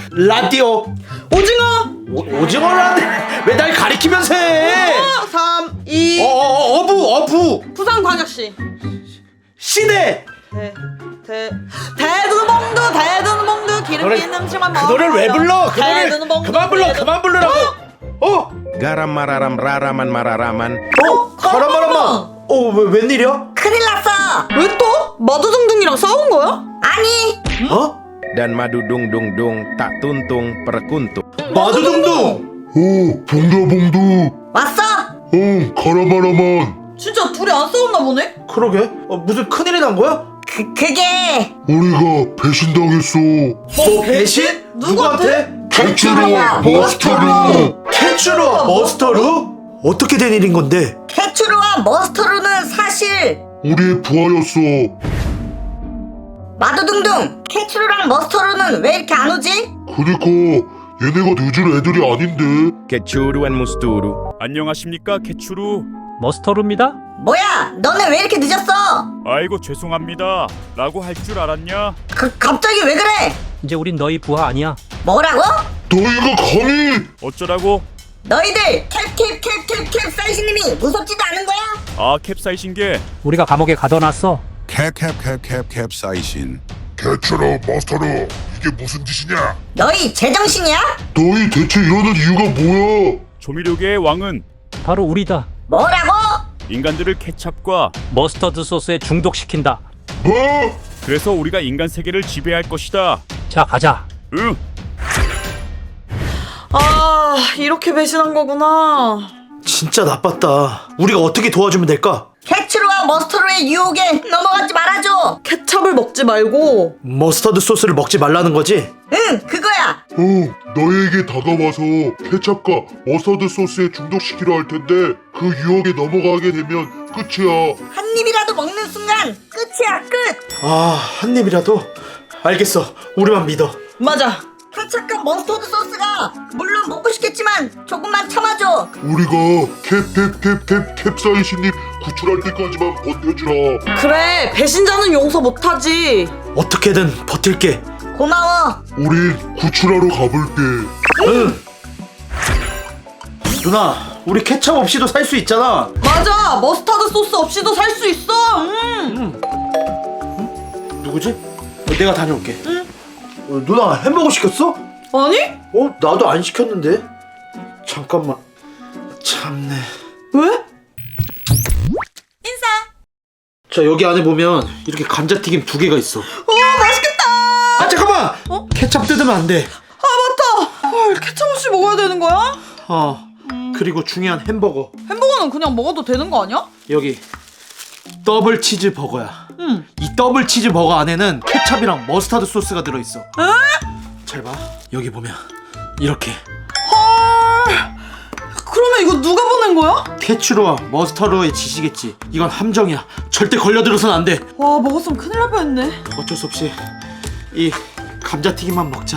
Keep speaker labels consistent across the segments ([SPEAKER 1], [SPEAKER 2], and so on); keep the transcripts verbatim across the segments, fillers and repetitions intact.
[SPEAKER 1] 라디오.
[SPEAKER 2] 오징어.
[SPEAKER 1] 오, 오징어라는데 왜 날 가리키면서 해?
[SPEAKER 2] 삼, 이.
[SPEAKER 1] 어, 어, 어부 어부.
[SPEAKER 2] 부산광역시.
[SPEAKER 1] 시대.
[SPEAKER 2] 대, 대, 대두봉두 대두봉두 기름진 음식만
[SPEAKER 1] 그 노래를 왜 불러? 그 노래
[SPEAKER 2] 대두봉두,
[SPEAKER 1] 그만 불러
[SPEAKER 2] 대두-
[SPEAKER 1] 그만 부르라고. 어?
[SPEAKER 3] Garam mararam raraman mararaman.
[SPEAKER 1] 어? 가라마라마. 어, 왜 웬일이야?
[SPEAKER 4] 큰일 났어.
[SPEAKER 2] 왜 또? 마두둥둥이랑 싸운 거야?
[SPEAKER 4] 아니,
[SPEAKER 1] 어?
[SPEAKER 3] Dan madu dung dung dung tak tuntung perkuntung.
[SPEAKER 1] 마두둥둥.
[SPEAKER 5] 오, 봉다봉두.
[SPEAKER 4] 왔어?
[SPEAKER 5] 어, 가라마라만.
[SPEAKER 2] 진짜 둘이 안 싸웠나 보네?
[SPEAKER 1] 그러게. 어, 무슨 큰일이 난 거야?
[SPEAKER 4] 그, 그게
[SPEAKER 5] 우리가 배신당했어.
[SPEAKER 1] 뭐 배신? 누구한테?
[SPEAKER 5] 캐츄루와 머스터루.
[SPEAKER 1] 캐츄루와 머스터루? 어떻게 된 일인 건데?
[SPEAKER 4] 캐츄루와 머스터루는 사실
[SPEAKER 5] 우리의 부하였어.
[SPEAKER 4] 마두둥둥, 캐츄루랑 머스터루는 왜 이렇게 안 오지?
[SPEAKER 5] 그니까 얘네가 늦을 애들이 아닌데.
[SPEAKER 3] Kecuruan musturu.
[SPEAKER 6] 안녕하십니까 캐츄루.
[SPEAKER 7] 머스터루입니다.
[SPEAKER 4] 뭐야, 너네 왜 이렇게 늦었어?
[SPEAKER 6] 아이고 죄송합니다 라고 할 줄 알았냐?
[SPEAKER 4] 그, 갑자기 왜 그래?
[SPEAKER 7] 이제 우린 너희 부하 아니야.
[SPEAKER 4] 뭐라고?
[SPEAKER 5] 너희가 감히?
[SPEAKER 6] 어쩌라고?
[SPEAKER 4] 너희들 캡캡캡캡캡 사이신님이 무섭지도 않은 거야?
[SPEAKER 6] 아 캡사이신 게
[SPEAKER 7] 우리가 감옥에 가둬놨어.
[SPEAKER 8] 캡캡캡캡캡사이신.
[SPEAKER 5] 캐츄루, 머스터루, 이게 무슨 짓이냐?
[SPEAKER 4] 너희 제정신이야?
[SPEAKER 5] 너희 대체 이러는 이유가 뭐야?
[SPEAKER 6] 조미료계의 왕은
[SPEAKER 7] 바로 우리다.
[SPEAKER 4] 뭐라고?
[SPEAKER 6] 인간들을 케찹과
[SPEAKER 7] 머스터드 소스에 중독시킨다.
[SPEAKER 5] 뭐?
[SPEAKER 6] 그래서 우리가 인간 세계를 지배할 것이다.
[SPEAKER 7] 자, 가자.
[SPEAKER 6] 응.
[SPEAKER 2] 아, 이렇게 배신한 거구나.
[SPEAKER 1] 진짜 나빴다. 우리가 어떻게 도와주면 될까?
[SPEAKER 4] 캐츄루와 머스터루의 유혹에 넘어가지 말아줘.
[SPEAKER 2] 케찹을 먹지 말고.
[SPEAKER 1] 머스터드 소스를 먹지 말라는 거지?
[SPEAKER 4] 응, 그거야.
[SPEAKER 5] 어, 너희에게 다가와서 케찹과 머스터드 소스에 중독시키려 할 텐데 그 유혹에 넘어가게 되면 끝이야.
[SPEAKER 4] 한 입이라도 먹는 순간 끝이야, 끝.
[SPEAKER 1] 아, 한 입이라도? 알겠어. 우리만 믿어.
[SPEAKER 2] 맞아.
[SPEAKER 4] 케찹과 머스터드 소스가 물론 먹고 싶겠지만 조금만 참아줘.
[SPEAKER 5] 우리가 캡캡캡캡 캡사이신님 구출할 때까지만 버텨주라.
[SPEAKER 2] 그래, 배신자는 용서 못하지.
[SPEAKER 1] 어떻게든 버틸게.
[SPEAKER 4] 고마워.
[SPEAKER 5] 우린 구출하러 가볼게.
[SPEAKER 1] 응. 누나, 우리 케찹 없이도 살 수 있잖아.
[SPEAKER 2] 맞아, 머스타드 소스 없이도 살 수 있어. 음.
[SPEAKER 1] 누구지? 어, 내가 다녀올게. 응. 어, 누나 햄버거 시켰어?
[SPEAKER 2] 아니?
[SPEAKER 1] 어, 나도 안 시켰는데. 잠깐만. 참네.
[SPEAKER 2] 왜?
[SPEAKER 4] 인사.
[SPEAKER 1] 자, 여기 안에 보면 이렇게 감자튀김 두 개가 있어.
[SPEAKER 2] 어, 맛있겠다.
[SPEAKER 1] 아, 잠깐만.
[SPEAKER 2] 어?
[SPEAKER 1] 케찹 뜯으면 안 돼.
[SPEAKER 2] 아, 맞다. 헐, 케찹 없이 먹어야 되는 거야?
[SPEAKER 1] 어. 그리고 중요한 햄버거.
[SPEAKER 2] 햄버거는 그냥 먹어도 되는 거 아니야?
[SPEAKER 1] 여기 더블 치즈 버거야.
[SPEAKER 2] 응.
[SPEAKER 1] 이 더블 치즈 버거 안에는 케찹이랑 머스타드 소스가 들어있어. 잘 봐. 여기 보면 이렇게
[SPEAKER 2] 헐. 그러면 이거 누가 보낸 거야?
[SPEAKER 1] 케츄루와 머스타드의 짓이겠지. 이건 함정이야. 절대 걸려들어선 안 돼.
[SPEAKER 2] 와, 먹었으면 큰일 날 뻔했네.
[SPEAKER 1] 어쩔 수 없이 이 감자튀김만 먹자.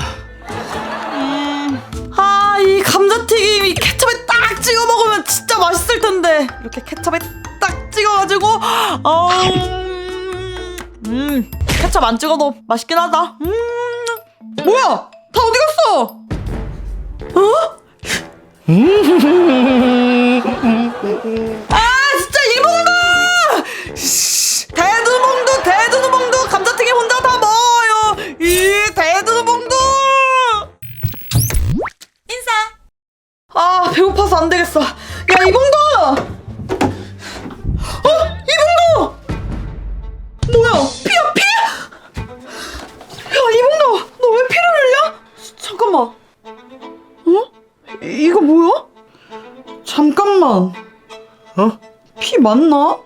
[SPEAKER 2] 아, 이 감자튀김 이 케첩에 딱 찍어 먹으면 진짜 맛있을 텐데. 이렇게 케첩에 딱 찍어가지고, 어, 음, 케첩 안 찍어도 맛있긴 하다. 음, 뭐야? 다 어디 갔어? 어? 아, 진짜 이봉도! 씨, 대두봉도, 대두봉도 감자튀김 혼자 다 먹어요. 이 대두봉도!
[SPEAKER 4] 인사.
[SPEAKER 2] 아, 배고파서 안 되겠어. 야, 이봉도! 어? 이봉도! 뭐야? 피야, 피? 야, 이봉도! 너 왜 피를 흘려? 잠깐만. 어? 이- 이거 뭐야? 잠깐만.
[SPEAKER 1] 어?
[SPEAKER 2] 피 맞나?
[SPEAKER 1] 어,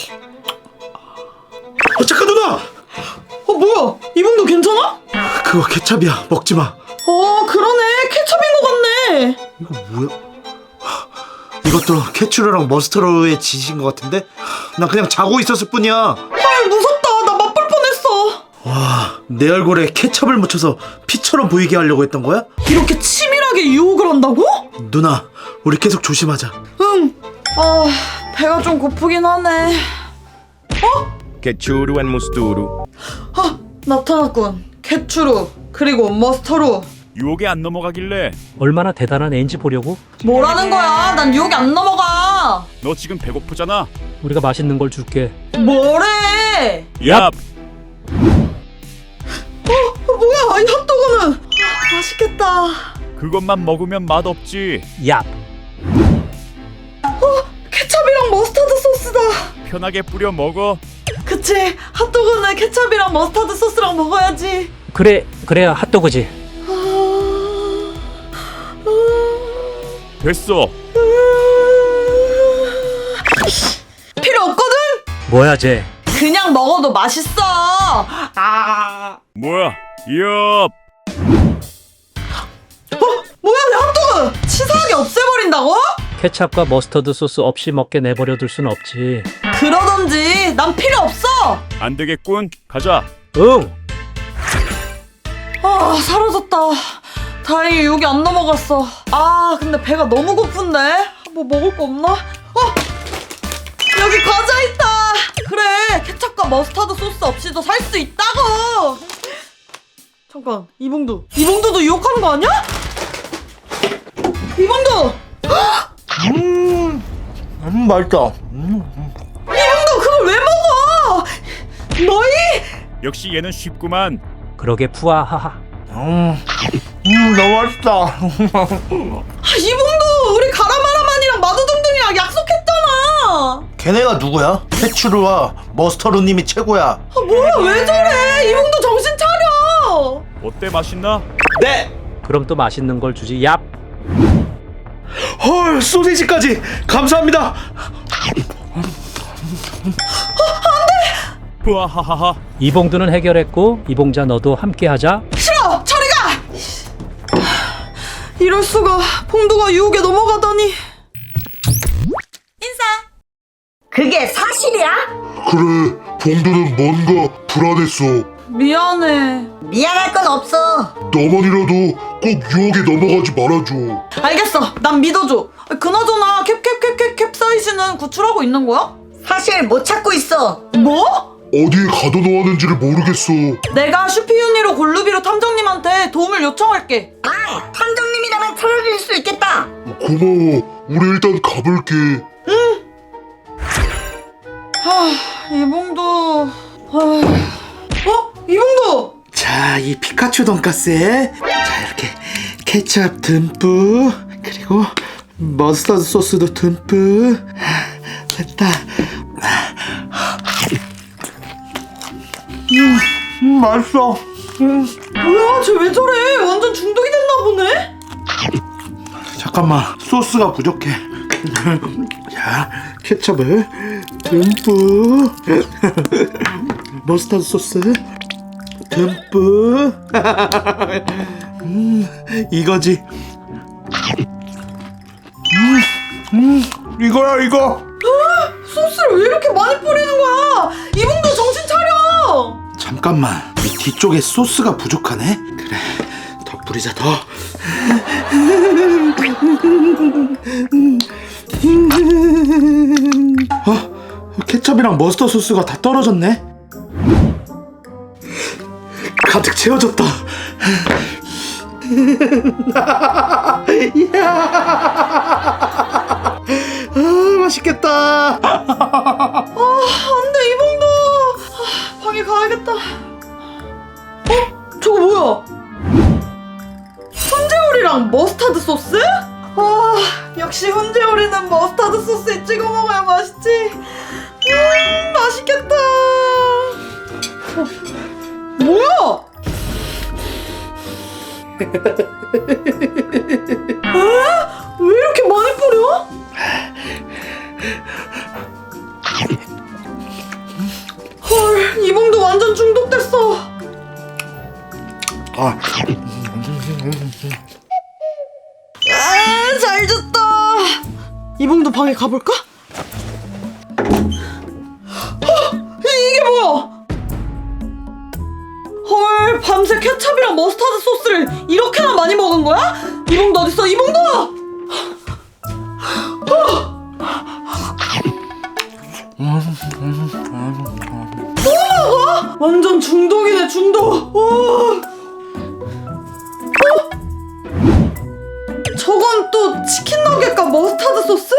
[SPEAKER 1] 잠깐 누나!
[SPEAKER 2] 어, 뭐야? 이봉도 괜찮아?
[SPEAKER 1] 그거 케찹이야. 먹지 마.
[SPEAKER 2] 어, 그러네. 케첩인 것 같네.
[SPEAKER 1] 이거 뭐야? 하, 이것도 케츄루랑 머스타드의 짓인 것 같은데? 난 그냥 자고 있었을 뿐이야.
[SPEAKER 2] 아, 무섭다. 나 맛볼 뻔했어.
[SPEAKER 1] 와, 내 얼굴에 케첩을 묻혀서 피처럼 보이게 하려고 했던 거야?
[SPEAKER 2] 이렇게 치밀하게 유혹을 한다고?
[SPEAKER 1] 누나, 우리 계속 조심하자.
[SPEAKER 2] 응. 아, 배가 좀 고프긴 하네. 어?
[SPEAKER 3] Kecuruan musturu.
[SPEAKER 2] 아, 나타났군. 케츄루 그리고 머스터루.
[SPEAKER 6] 유혹에 안 넘어가길래.
[SPEAKER 7] 얼마나 대단한 애인지 보려고?
[SPEAKER 2] 뭐라는 거야? 난 유혹이 안 넘어가.
[SPEAKER 6] 너 지금 배고프잖아.
[SPEAKER 7] 우리가 맛있는 걸 줄게.
[SPEAKER 2] 뭐래?
[SPEAKER 6] 야,
[SPEAKER 2] 어, 뭐야? 이 핫도그는 아, 맛있겠다.
[SPEAKER 6] 그것만 먹으면 맛없지.
[SPEAKER 7] 얍.
[SPEAKER 2] 케첩이랑 머스타드 소스다.
[SPEAKER 6] 편하게 뿌려 먹어.
[SPEAKER 2] 그치? 핫도그는 케첩이랑 머스타드 소스랑 먹어야지.
[SPEAKER 7] 그래, 그래야 핫도그지.
[SPEAKER 2] 아...
[SPEAKER 6] 됐어.
[SPEAKER 2] 필요 없거든?
[SPEAKER 7] 뭐야, 쟤.
[SPEAKER 2] 그냥 먹어도 맛있어. 아,
[SPEAKER 6] 뭐야? 엽.
[SPEAKER 2] 뭐야 내 핫도그 치사하게 없애버린다고?
[SPEAKER 7] 케찹과 머스터드 소스 없이 먹게 내버려둘 순 없지.
[SPEAKER 2] 그러던지 난 필요 없어.
[SPEAKER 6] 안 되겠군. 가자.
[SPEAKER 7] 응.
[SPEAKER 2] 아 사라졌다. 다행히 유혹이 안 넘어갔어. 아 근데 배가 너무 고픈데 뭐 먹을 거 없나? 어 여기 과자 있다. 그래 케첩과 머스타드 소스 없이도 살 수 있다고. 잠깐 이봉두 이봉두도 유혹하는 거 아니야? 이봉두
[SPEAKER 1] 음, 음 맛있다. 음.
[SPEAKER 2] 이봉두 그걸 왜 먹어? 너희
[SPEAKER 6] 역시 얘는 쉽구만.
[SPEAKER 7] 그러게 푸아하하.
[SPEAKER 1] 음, 음 너무 맛있다.
[SPEAKER 2] 아, 이봉두 우리 가라마라만이랑 마두둥둥이랑 약속했잖아.
[SPEAKER 1] 걔네가 누구야? 페츄르와 머스터루님이 최고야.
[SPEAKER 2] 아 뭐야 왜 저래? 이봉두 정신 차려.
[SPEAKER 6] 어때, 맛있나?
[SPEAKER 1] 네.
[SPEAKER 7] 그럼 또 맛있는 걸 주지. 얍.
[SPEAKER 1] 헐 소세지까지 감사합니다.
[SPEAKER 6] 뿌아하하하.
[SPEAKER 7] 이봉두는 해결했고 이봉자 너도 함께하자.
[SPEAKER 2] 싫어 저리 가. 이럴 수가 봉두가 유혹에 넘어가다니.
[SPEAKER 4] 그게 사실이야?
[SPEAKER 5] 그래, 봉두는 뭔가 불안했어.
[SPEAKER 2] 미안해.
[SPEAKER 4] 미안할 건 없어.
[SPEAKER 5] 너만이라도 꼭 유혹에 넘어가지 말아줘.
[SPEAKER 2] 알겠어 난 믿어줘. 그나저나 캡캡캡캡 캡사이신은 구출하고 있는 거야?
[SPEAKER 4] 사실 못 찾고 있어.
[SPEAKER 2] 뭐?
[SPEAKER 5] 어디에 가둬놓았는지를 모르겠어.
[SPEAKER 2] 내가 슈피윤니로 골루비로 탐정님한테 도움을 요청할게.
[SPEAKER 4] 아, 탐정님이라면 찾아줄 수 있겠다.
[SPEAKER 5] 고마워. 우리 일단 가볼게.
[SPEAKER 2] 하 이봉두. 하... 어? 이봉두!
[SPEAKER 1] 자, 이 피카츄 돈까스에 자 이렇게 케첩 듬뿍 그리고 머스터드 소스도 듬뿍 됐다. 음, 음 맛있어. 음.
[SPEAKER 2] 뭐야 쟤 왜 저래? 완전 중독이 됐나 보네?
[SPEAKER 1] 잠깐만 소스가 부족해. 자 케첩을 듬뿍 머스타드 소스 듬뿍 음, 이거지. 음, 음, 이거야 이거.
[SPEAKER 2] 소스를 왜 이렇게 많이 뿌리는 거야? 이봉두 정신 차려!
[SPEAKER 1] 잠깐만 이 뒤쪽에 소스가 부족하네. 그래 더 뿌리자 더. 어? 케첩이랑 머스터 소스가 다 떨어졌네. 가득 채워졌다. 이야. 아, 맛있겠다.
[SPEAKER 2] 안돼 이봉두. 아, 방에 가야겠다. 어? 저거 뭐야? 훈제오리랑 머스타드 소스? 아 역시 훈제오리는 머스타드 소스에 찍어 먹어야 맛있지. 음 맛있겠다. 어, 뭐야? 에? 왜 이렇게 많이 뿌려? 헐 이봉도 완전 중독됐어.
[SPEAKER 1] 아,
[SPEAKER 2] 아, 잘 잤다. 이봉도 방에 가볼까? 어, 이게 뭐야? 헐 밤새 케첩이랑 머스타드 소스를 이렇게나 많이 먹은 거야? 이봉도 어딨어? 이봉도! 또 먹어? 완전 중독이네 중독. 어. 어? 저건 또 치킨 너겟과 머스타드 소스?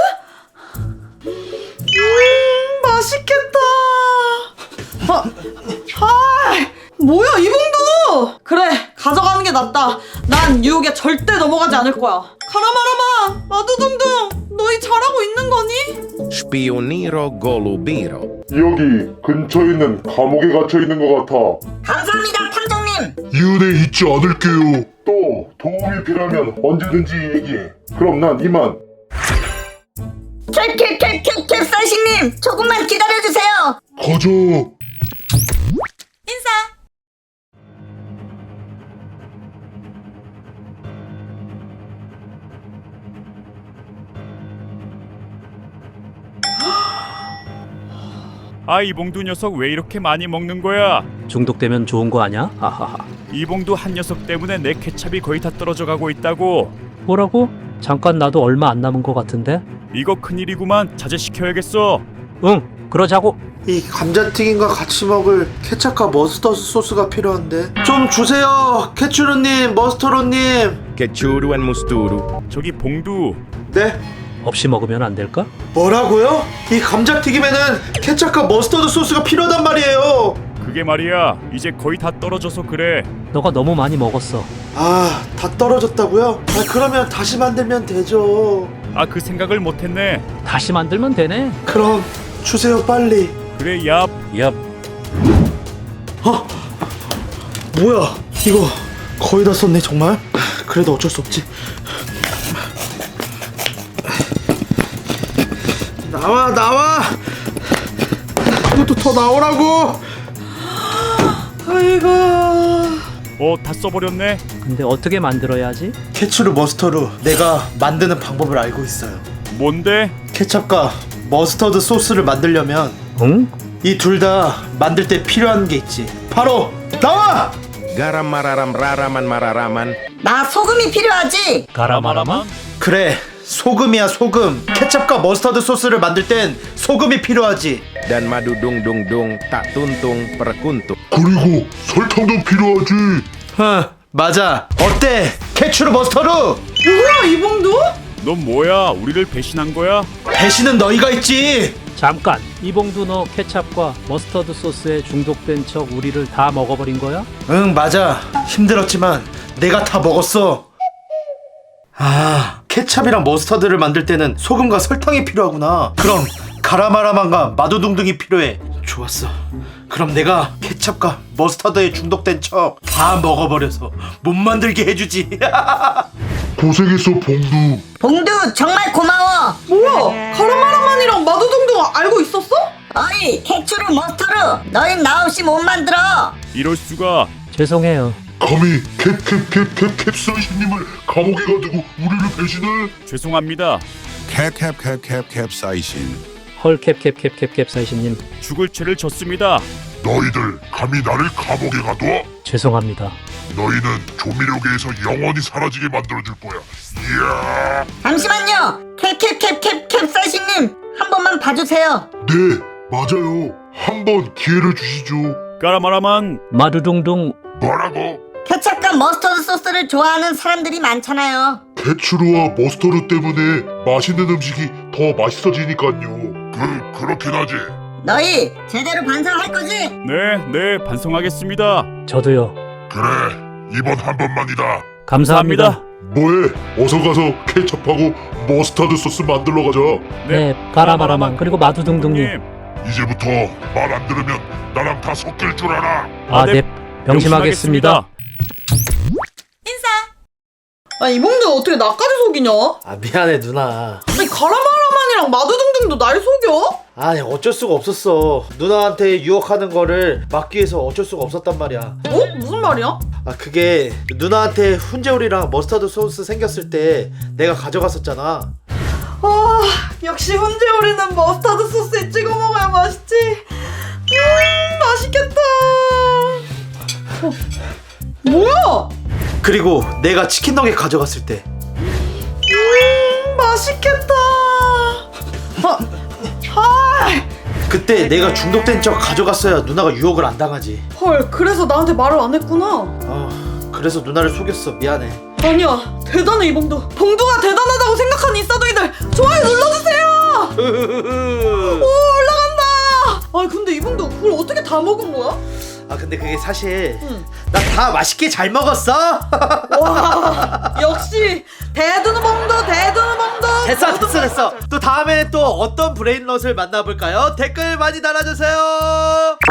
[SPEAKER 2] 음, 맛있겠다. 아, 아, 뭐야 이 봉두? 그래, 가져가는 게 낫다. 난 유혹에 절대 넘어가지 않을 거야. 가라마라마, 마두둥둥, 너희 잘하고 있는 거니?
[SPEAKER 3] Spioniro golubiro.
[SPEAKER 5] 여기 근처에 있는 감옥에 gat혀 있는 것 같아.
[SPEAKER 4] 감사합니다, 탐정님.
[SPEAKER 5] 이 은혜 잊지 않을게요. 또 도움이 필요하면 언제든지 얘기해. 그럼 난 이만.
[SPEAKER 4] 캡캡캡캡 캡사이신님, 조금만 기다려주세요.
[SPEAKER 5] 가자.
[SPEAKER 2] 인사.
[SPEAKER 6] 아, 이봉두 녀석 왜 이렇게 많이 먹는 거야?
[SPEAKER 7] 중독되면 좋은 거 아냐? 하하하.
[SPEAKER 6] 이봉두 한 녀석 때문에 내 케찹이 거의 다 떨어져 가고 있다고.
[SPEAKER 7] 뭐라고? 잠깐 나도 얼마 안 남은 거 같은데?
[SPEAKER 6] 이거 큰일이구만. 자제시켜야겠어.
[SPEAKER 7] 응, 그러자고.
[SPEAKER 1] 이 감자튀김과 같이 먹을 케찹과 머스터드 소스가 필요한데 좀 주세요. 케츄르님, 머스터로님.
[SPEAKER 3] Kechuru and musturu.
[SPEAKER 6] 저기 봉두,
[SPEAKER 1] 네?
[SPEAKER 7] 없이 먹으면 안 될까?
[SPEAKER 1] 뭐라고요? 이 감자튀김에는 케찹과 머스터드 소스가 필요하단 말이에요.
[SPEAKER 6] 그게 말이야. 이제 거의 다 떨어져서 그래.
[SPEAKER 7] 너가 너무 많이 먹었어.
[SPEAKER 1] 아, 다 떨어졌다고요? 아, 그러면 다시 만들면 되죠.
[SPEAKER 6] 아, 그 생각을 못했네.
[SPEAKER 7] 다시 만들면 되네.
[SPEAKER 1] 그럼 주세요, 빨리.
[SPEAKER 6] 그래, 얍.
[SPEAKER 7] 얍.
[SPEAKER 1] 어? 뭐야? 이거 거의 다 썼네, 정말? 그래도 어쩔 수 없지. 나와, 나와! 이것도 더 나오라고!
[SPEAKER 2] 아이고.
[SPEAKER 6] 어, 다 써버렸네.
[SPEAKER 7] 근데 어떻게 만들어야 하지?
[SPEAKER 1] 케츄르 머스터루, 내가 만드는 방법을 알고 있어요.
[SPEAKER 6] 뭔데?
[SPEAKER 1] 케찹과 머스터드 소스를 만들려면
[SPEAKER 7] 응?
[SPEAKER 1] 이 둘 다 만들 때 필요한 게 있지. 바로 나와!
[SPEAKER 3] Garam mararam raraman mararaman.
[SPEAKER 4] 나 소금이 필요하지.
[SPEAKER 7] 가라마라마?
[SPEAKER 1] 그래, 소금이야, 소금. 케찹과 머스터드 소스를 만들 땐 소금이 필요하지.
[SPEAKER 3] Dan madu dung dung dung tak tuntung perkuntuk.
[SPEAKER 5] 그리고 설탕도 필요하지.
[SPEAKER 1] huh, 맞아. 어때? 케츄르 머스터루!
[SPEAKER 2] 뭐야 이 봉두?
[SPEAKER 6] 넌 뭐야? 우리를 배신한 거야?
[SPEAKER 1] 배신은 너희가 있지.
[SPEAKER 7] 잠깐! 이봉두 너 케찹과 머스터드 소스에 중독된 척 우리를 다 먹어버린 거야?
[SPEAKER 1] 응, 맞아. 힘들었지만 내가 다 먹었어. 아, 케찹이랑 머스터드를 만들 때는 소금과 설탕이 필요하구나. 그럼 가라마라만과 마두둥둥이 필요해. 좋았어. 그럼 내가 케찹과 머스터드에 중독된 척 다 먹어버려서 못 만들게 해주지.
[SPEAKER 5] 고생했어, 봉두.
[SPEAKER 4] 봉두 정말 고마워.
[SPEAKER 2] 뭐야? 가라마라만이랑 마두둥둥 알고 있었어?
[SPEAKER 4] 어이 케츄르 머스터루, 너희 나 없이 못 만들어.
[SPEAKER 6] 이럴 수가.
[SPEAKER 7] 죄송해요.
[SPEAKER 5] 감히 캡캡캡캡 캡사이신님을 감옥에 가두고 우리를 배신해?
[SPEAKER 6] 죄송합니다.
[SPEAKER 8] 캡캡캡캡 캡사이신.
[SPEAKER 7] 헐 캡캡캡캡캡 사이신님
[SPEAKER 6] 죽을 죄를 졌습니다.
[SPEAKER 5] 너희들 감히 나를 감옥에 가둬?
[SPEAKER 7] 죄송합니다.
[SPEAKER 5] 너희는 조미료계에서 영원히 사라지게 만들어줄 거야. 이야.
[SPEAKER 4] 잠시만요. 캡캡캡캡 캡사이신님, 한 번만 봐주세요.
[SPEAKER 5] 네, 맞아요. 한번 기회를 주시죠.
[SPEAKER 6] 까라마라만.
[SPEAKER 7] 마두둥둥.
[SPEAKER 5] 뭐라고?
[SPEAKER 4] 케첩과 머스터드 소스를 좋아하는 사람들이 많잖아요.
[SPEAKER 5] 케츄르와 머스터드 때문에 맛있는 음식이 더 맛있어지니까요. 그, 그렇긴 하지.
[SPEAKER 4] 너희 제대로 반성할 거지?
[SPEAKER 6] 네, 네, 반성하겠습니다.
[SPEAKER 7] 저도요.
[SPEAKER 5] 그래, 이번 한 번만이다.
[SPEAKER 7] 감사합니다.
[SPEAKER 5] 뭐해? 어서 가서 케첩하고 머스타드 소스 만들러 가자.
[SPEAKER 7] 네, 가라마라만 그리고 마두둥둥님.
[SPEAKER 6] 님,
[SPEAKER 5] 이제부터 말 안 들으면 나랑 다 섞일 줄 알아.
[SPEAKER 7] 아,
[SPEAKER 6] 네.
[SPEAKER 7] 네. 명심하겠습니다.
[SPEAKER 2] 아 이봉두 어떻게 나까지 속이냐?
[SPEAKER 1] 아, 미안해, 누나.
[SPEAKER 2] 아니 가라마라만이랑 마두둥둥도 날 속여?
[SPEAKER 1] 아니, 어쩔 수가 없었어. 누나한테 유혹하는 거를 막기 위해서 어쩔 수가 없었단 말이야.
[SPEAKER 2] 어? 무슨 말이야?
[SPEAKER 1] 아, 그게 누나한테 훈제오리랑 머스타드 소스 생겼을 때 내가 가져갔었잖아.
[SPEAKER 2] 아 역시 훈제오리는 머스타드 소스에 찍어 먹어야 맛있지. 음 맛있겠다. 어, 뭐야?
[SPEAKER 1] 그리고 내가 치킨 너겟 가져갔을 때
[SPEAKER 2] 음 맛있겠다. 아, 아,
[SPEAKER 1] 그때 내가 중독된 척 가져갔어야 누나가 유혹을 안 당하지.
[SPEAKER 2] 헐 그래서 나한테 말을 안 했구나.
[SPEAKER 1] 아, 그래서 누나를 속였어. 미안해.
[SPEAKER 2] 아니야, 대단해 이봉두. 봉두가 대단하다고 생각하는 인싸둥이들 좋아요 눌러주세요. 오, 올라간다. 아 근데 이봉두 그걸 어떻게 다 먹은 거야?
[SPEAKER 1] 아 근데 그게 사실
[SPEAKER 2] 응.
[SPEAKER 1] 나 다 맛있게 잘 먹었어.
[SPEAKER 2] 와, 역시 대두는 봉두, 대두는 봉두.
[SPEAKER 1] 됐어 됐어 됐어. 또 다음에 또 어떤 브레인롯을 만나볼까요? 댓글 많이 달아주세요.